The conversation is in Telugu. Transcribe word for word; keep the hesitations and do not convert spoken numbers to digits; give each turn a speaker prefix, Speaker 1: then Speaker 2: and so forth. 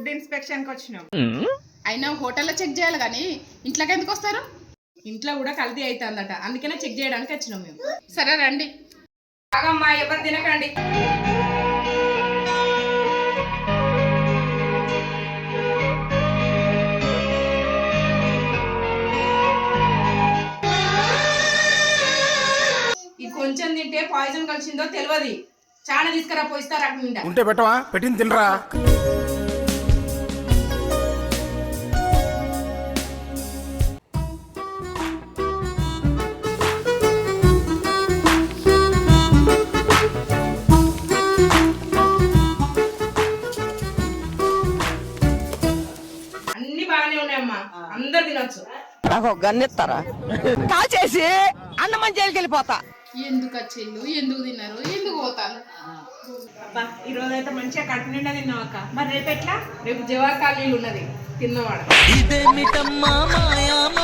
Speaker 1: ఫుడ్ ఇన్స్పెక్షన్ కి వచ్చినాం.
Speaker 2: అయినా హోటల్లో చెక్ చేయాలి కానీ ఇంట్లోకి ఎందుకు వస్తారు?
Speaker 1: ఇంట్లో కూడా కల్తీ అవుతుందట, అందుకనే చెక్ చేయడానికి వచ్చినాం మేము.
Speaker 2: సరే రండి.
Speaker 1: బాగమ్మా, ఎవరు తినకండి. ఈ కొంచెం తింటే పాయిజన్ కలిసిందో తెలియదు. చాలా తీసుకురా పోయిస్తారు అక్కడ నిండా.
Speaker 3: ఉంటే పెట్టవా, పెట్టింది తినరా.
Speaker 1: అన్ని బాగానే ఉన్నాయమ్మా, అందరు తినొచ్చు.
Speaker 4: నాకు గన్నెత్తారా కాచేసి అన్నమని జైలుకి వెళ్ళిపోతా.
Speaker 2: ఎందుకు వచ్చిండు, ఎందుకు తిన్నారు, ఎందుకు పోతారు?
Speaker 1: అబ్బా, ఈ రోజు అయితే మంచిగా కడుపు నిండా తిన్నాం అక్క. మరి రేపు ఎట్లా? రేపు జవాహర్ కాలనీలు ఉన్నది తిన్నవాడ.